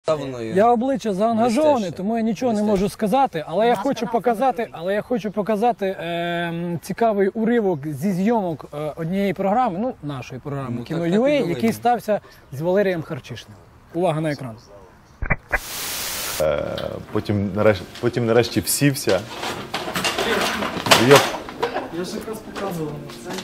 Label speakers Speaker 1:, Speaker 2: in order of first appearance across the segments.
Speaker 1: Я обличчя заангажований, тому я нічого не можу сказати, але я хочу показати цікавий уривок зі зйомок однієї програми, ну, нашої програми Кіно.ua, який стався з Валерієм Харчишним. Увага на екран.
Speaker 2: Потім нарешті всівся.
Speaker 1: Я ж якраз показував.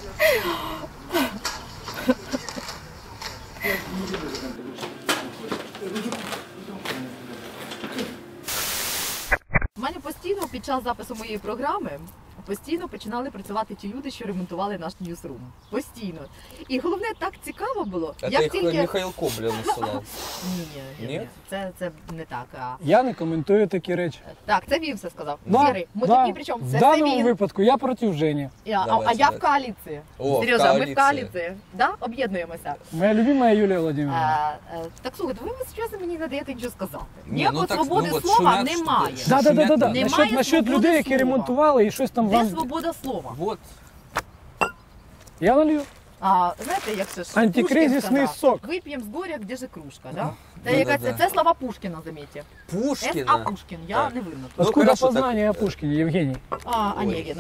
Speaker 3: У мене постійно під час запису моєї програми починали працювати ті люди, що ремонтували наш ньюсрум. Постійно. І головне, так цікаво було.
Speaker 4: Як тільки... Михайло Коблін насилав.
Speaker 3: Ні, це не так.
Speaker 1: Я не коментую такі речі.
Speaker 3: Так, це він все сказав.
Speaker 1: В даному випадку я проти Жені.
Speaker 3: А я в коаліції. Серйозно, ми в коаліції. Об'єднуємося.
Speaker 1: Моя любима Юлія Володимирівна.
Speaker 3: Так, слухайте, ви зараз мені не даєте нічого сказати. Ніякої свободи слова немає.
Speaker 1: Так. Насчет людей, які ремонтували і щось там...
Speaker 3: Де свобода слова?
Speaker 4: Вот.
Speaker 1: Я налью.
Speaker 3: Знаєте, як це ж?
Speaker 1: Антикризисний сок.
Speaker 3: Вип'ємо з горя, де же кружка, да? Це слова Пушкіна, замітьте.
Speaker 4: Пушкіна?
Speaker 3: А Пушкін, я не винна.
Speaker 1: Откуда познання о Пушкіні, Євгеній?
Speaker 3: Онегін.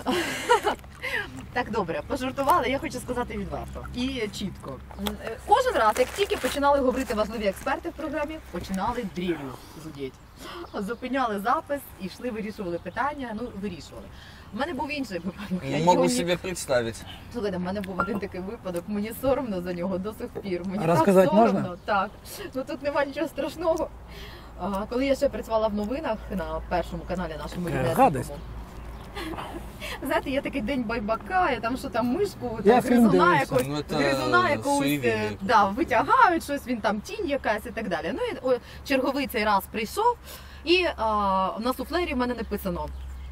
Speaker 3: Так, добре, пожартували, я хочу сказати відверто. І чітко. Кожен раз, як тільки починали говорити важливі експерти в програмі, починали дрілю зудіть. Зупиняли запис, йшли, вирішували питання, вирішували. У мене був інший випадок.
Speaker 4: Я можу собі представити.
Speaker 3: Слухайте, в мене був один такий випадок, мені соромно за нього до сих пір. Мені
Speaker 1: розказати
Speaker 3: так соромно.
Speaker 1: Можна?
Speaker 3: Так. Тут немає нічого страшного. Коли я ще працювала в новинах на першому каналі нашому рідному. Знаєте, є такий день байбака, я там що там мишку, гризуна якогось витягають, щось, він там тінь якась і так далі. І черговий цей раз прийшов, і на суфлері в мене написано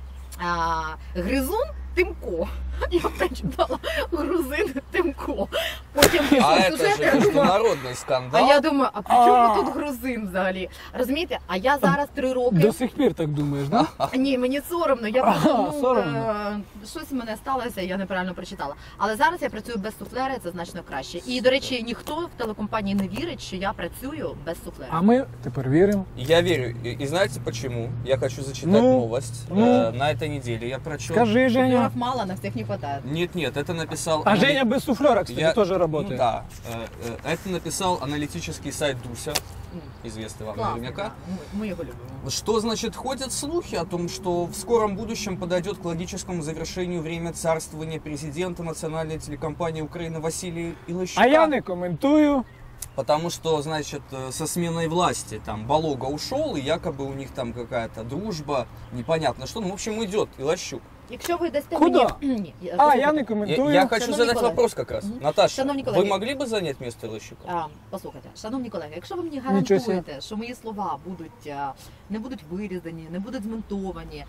Speaker 3: «Гризун Тимко». Я прочитала «Грузин Тимко». Потім
Speaker 4: це ж міжнародний скандал.
Speaker 3: А я думаю, а при чому тут грузин взагалі? Розумієте, а я зараз 3 роки...
Speaker 1: До сих пір так думаєш, так?
Speaker 3: Ні, мені соромно. Я просто, щось в мене сталося, я неправильно прочитала. Але зараз я працюю без суфлера, це значно краще. І, до речі, ніхто в телекомпанії не вірить, що я працюю без суфлера.
Speaker 1: А ми тепер віримо.
Speaker 4: Я верю. И знаете почему? Я хочу зачитать новость. На этой неделе я прочел...
Speaker 1: Скажи, Женя.
Speaker 3: Суфлеров мало, на всех не хватает.
Speaker 4: Нет, это написал...
Speaker 1: А Женя без суфлера, кстати, тоже работает.
Speaker 4: Да. Это написал аналитический сайт Дуся, известный вам наверняка.
Speaker 3: Мы его любим.
Speaker 4: Что значит ходят слухи о том, что в скором будущем подойдет к логическому завершению время царствования президента национальной телекомпании Украины Василия Илощука?
Speaker 1: А я не комментую.
Speaker 4: Потому что, значит, со сменой власти там Балога ушел, и якобы у них там какая-то дружба, непонятно что. Ну, в общем, идет Илощук.
Speaker 3: Якщо ви дасте
Speaker 1: Куда?
Speaker 3: мені...
Speaker 1: Я не коментую.
Speaker 4: Я хочу задать вопрос как раз. Наташа,
Speaker 3: вы
Speaker 4: могли бы занять место Илощука?
Speaker 3: Послухайте, шановні колеги, якщо ви мені гарантуєте, що мої слова не будуть вирізані, не будуть змонтовані,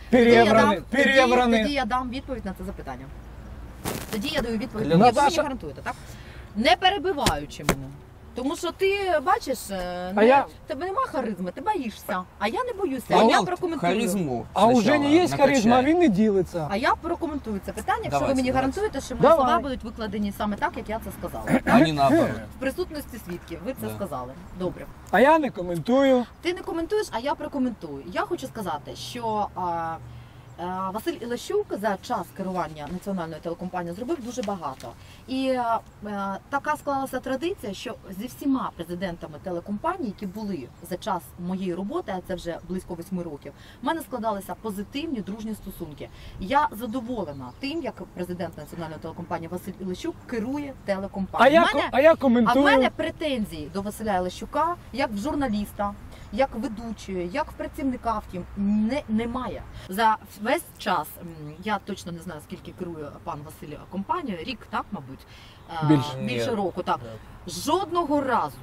Speaker 3: тоді я дам відповідь на це запитання. Тоді я даю відповідь. Якщо ви мені гарантуєте, так? Не перебиваючи мене. Тому що ти, бачиш, тебе нема харизми, ти боїшся. А я не боюся, я прокоментую.
Speaker 4: Харизму
Speaker 1: а у Жені є харизма, а він не ділиться.
Speaker 3: А я прокоментую це питання, якщо ви мені гарантуєте, що мої слова будуть викладені саме так, як я це сказала.
Speaker 4: А не наоборот.
Speaker 3: В присутності свідків, ви це сказали. Добре.
Speaker 1: А я не коментую.
Speaker 3: Ти не коментуєш, а я прокоментую. Я хочу сказати, що... Василь Ілощук за час керування національною телекомпанією зробив дуже багато. І така склалася традиція, що зі всіма президентами телекомпаній, які були за час моєї роботи, а це вже близько 8 років, в мене складалися позитивні, дружні стосунки. Я задоволена тим, як президент національної телекомпанії Василь Ілощук керує телекомпанією. А в мене претензії до Василя Ілощука, як в журналіста, як ведучої, як працівника, втім, немає. За весь час, я точно не знаю, скільки керує пан Василь компанією, рік, так, мабуть? Більше року, так. Жодного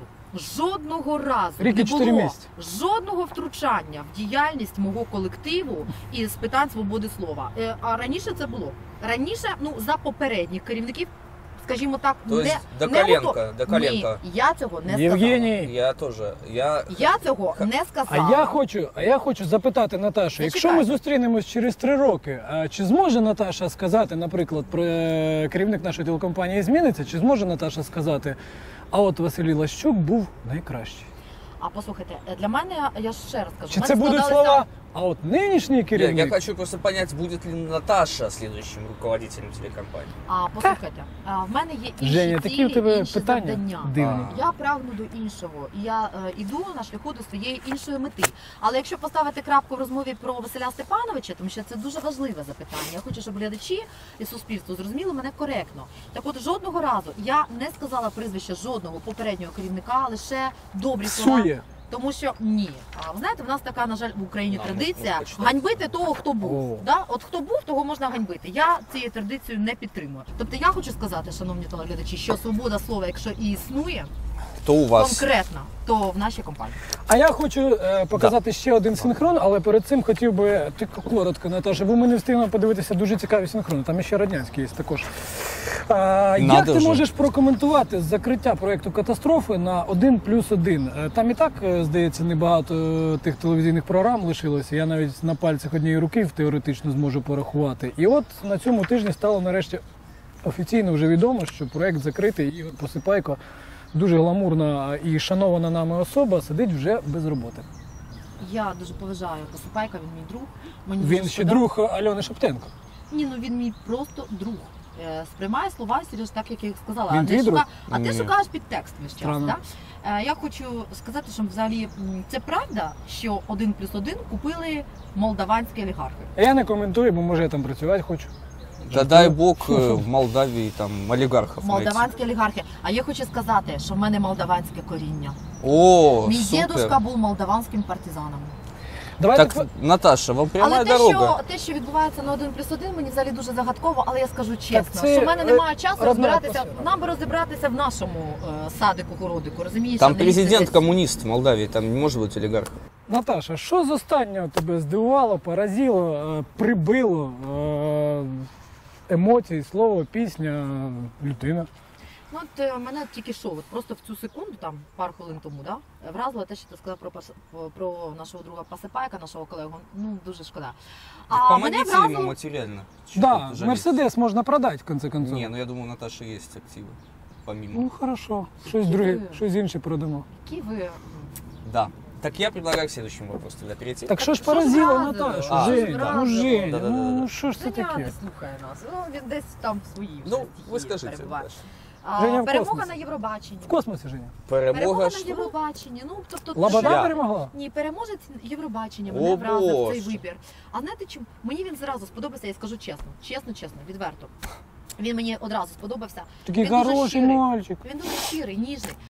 Speaker 3: разу не було жодного втручання в діяльність мого колективу із питань свободи слова. А раніше це було. Раніше, за попередніх керівників, скажімо так,
Speaker 4: до коленка.
Speaker 3: Ні, я цього не сказала.
Speaker 1: Євгеній.
Speaker 4: Я теж.
Speaker 3: Я цього не сказала.
Speaker 1: А я хочу запитати Наташу, якщо ми зустрінемось через 3 роки, чи зможе Наташа сказати, наприклад, керівник нашої телекомпанії зміниться, чи зможе Наташа сказати, а от Василь Ілощук був найкращий?
Speaker 3: А послухайте, для мене, я ж ще раз кажу,
Speaker 1: Чи
Speaker 3: в
Speaker 1: це
Speaker 3: мене
Speaker 1: будуть
Speaker 3: складалися-
Speaker 1: слова? А от нинішній
Speaker 4: Я
Speaker 1: керівник.
Speaker 4: хочу просто понять, будет ли Наташа следующим руководителем телекомпании.
Speaker 3: А послухайте, в мене є інші
Speaker 1: Женя, такі
Speaker 3: цілі,
Speaker 1: у тебе
Speaker 3: інші
Speaker 1: питання
Speaker 3: завдання.
Speaker 1: дивні.
Speaker 3: Я прагну до іншого, і я іду на шляху до своєї іншої мети. Але якщо поставити крапку в розмові про Василя Степановича, тому що це дуже важливе запитання. Я хочу, щоб глядачі і суспільство зрозуміли мене коректно. Так от жодного разу я не сказала прізвище жодного попереднього керівника, лише добрі слова.
Speaker 1: Псує.
Speaker 3: Тому що ні. А ви знаєте, в нас така, на жаль, в Україні
Speaker 4: Да,
Speaker 3: традиція
Speaker 4: можна почитати.
Speaker 3: ганьбити того, хто був.
Speaker 1: О.
Speaker 3: Да? От хто був, того можна ганьбити. Я цією традицією не підтримую. Тобто я хочу сказати, шановні телеглядачі, що свобода слова, якщо і існує
Speaker 4: То у вас.
Speaker 3: конкретно, то в нашій компанії.
Speaker 1: А я хочу показати ще один синхрон, але перед цим хотів би ти коротко, Наташа, бо ми не встигнемо подивитися дуже цікаві синхрони. Там ще радянський є також. Як
Speaker 4: Надо
Speaker 1: ти
Speaker 4: же.
Speaker 1: можеш прокоментувати закриття проєкту «Катастрофи» на 1+1? Там і так, здається, небагато тих телевізійних програм лишилося. Я навіть на пальцях однієї руки теоретично зможу порахувати. І от на цьому тижні стало нарешті офіційно вже відомо, що проєкт закритий. Ігор Посипайко, дуже гламурна і шанована нами особа, сидить вже без роботи.
Speaker 3: Я дуже поважаю Посипайка, він мій друг. Мені
Speaker 1: Він
Speaker 3: дуже
Speaker 1: ще
Speaker 3: шкода.
Speaker 1: друг Альони Шептенко.
Speaker 3: Ні, ну він мій просто друг. Сприймає слова, Сереж, так, як я їх сказала.
Speaker 1: Він
Speaker 3: А
Speaker 1: твій
Speaker 3: не
Speaker 1: друг?
Speaker 3: а ти
Speaker 4: Ні.
Speaker 3: шукаєш підтекст весь час.
Speaker 1: Странно.
Speaker 3: Так? Я хочу сказати, що взагалі це правда, що 1+1 купили молдаванські олігархи.
Speaker 1: Я не коментую, бо може я там працювати хочу.
Speaker 4: Да дай бог в Молдавии там олигархов найти.
Speaker 3: Молдаванські олігархи. А я хочу сказати, що в мене молдаванське коріння.
Speaker 4: О,
Speaker 3: Мій
Speaker 4: супер.
Speaker 3: дідусь був молдаванським партизаном.
Speaker 1: Давайте
Speaker 4: Так, Наташа, вам прямая
Speaker 3: Але
Speaker 4: дорога.
Speaker 3: те, що відбувається на 1+1, мені взагалі дуже загадково, але я скажу чесно,
Speaker 1: це,
Speaker 3: що в мене немає часу
Speaker 1: родна
Speaker 3: розбиратися.
Speaker 1: атмосфера.
Speaker 3: Нам би розібратися в нашому садику, городику, розумієш?
Speaker 4: Там
Speaker 3: а не лізти
Speaker 4: президент
Speaker 3: десь.
Speaker 4: коммунист в Молдавии, там не может быть олигархов.
Speaker 1: Наташа, що з останнього тебе здивувало, поразило, прибило? Емоції, слово, пісня, людина.
Speaker 3: Ну, от мене тільки що, от просто в цю секунду, там пару хвилин тому, да, вразило те, що ти сказав про нашого друга Посипайка, нашого колегу. Ну, дуже шкода. А мене
Speaker 4: Помогите ему
Speaker 3: вразило,
Speaker 4: материально. Чё
Speaker 1: Да,
Speaker 4: тут жалеть?
Speaker 1: Мерседес можна продати, в конце концов.
Speaker 4: Не, ну я думаю, у Наташи есть активы. Помимо.
Speaker 1: Ну, хорошо. Щось друге, щось інше продамо.
Speaker 3: які ви...
Speaker 4: Да. Так я предлагаю к следующему вопросу тогда перейти.
Speaker 1: Так що ж
Speaker 3: що ж
Speaker 1: поразило
Speaker 3: вразило?
Speaker 1: Наташу?
Speaker 4: А,
Speaker 1: Женя,
Speaker 3: да.
Speaker 1: ну Женя,
Speaker 4: Да-да-да.
Speaker 1: ну що ж це
Speaker 3: Женя
Speaker 1: таке?
Speaker 3: не слухає нас, ну, він десь там в своїй вже
Speaker 4: Ну,
Speaker 3: стихії
Speaker 4: вы скажите.
Speaker 3: перебуває.
Speaker 4: Наташа.
Speaker 1: Женя в
Speaker 3: Перемога
Speaker 1: космосі.
Speaker 3: на Євробаченні.
Speaker 1: В космосі, Женя.
Speaker 3: Перемога
Speaker 4: Перемога
Speaker 3: на
Speaker 4: что?
Speaker 3: Євробаченні. Ну, тобто,
Speaker 1: Лобода
Speaker 4: Я.
Speaker 1: перемогла?
Speaker 3: Ні, переможець Євробачення
Speaker 4: О,
Speaker 3: мене вразив цей
Speaker 4: Боже.
Speaker 3: вибір. А знаєте чому? Мені він зразу сподобався, я скажу чесно, відверто. Він мені одразу сподобався.
Speaker 1: Такий
Speaker 3: Він дуже
Speaker 1: хороший
Speaker 3: щирий.
Speaker 1: мальчик.
Speaker 3: Він дуже щирий, ніжний.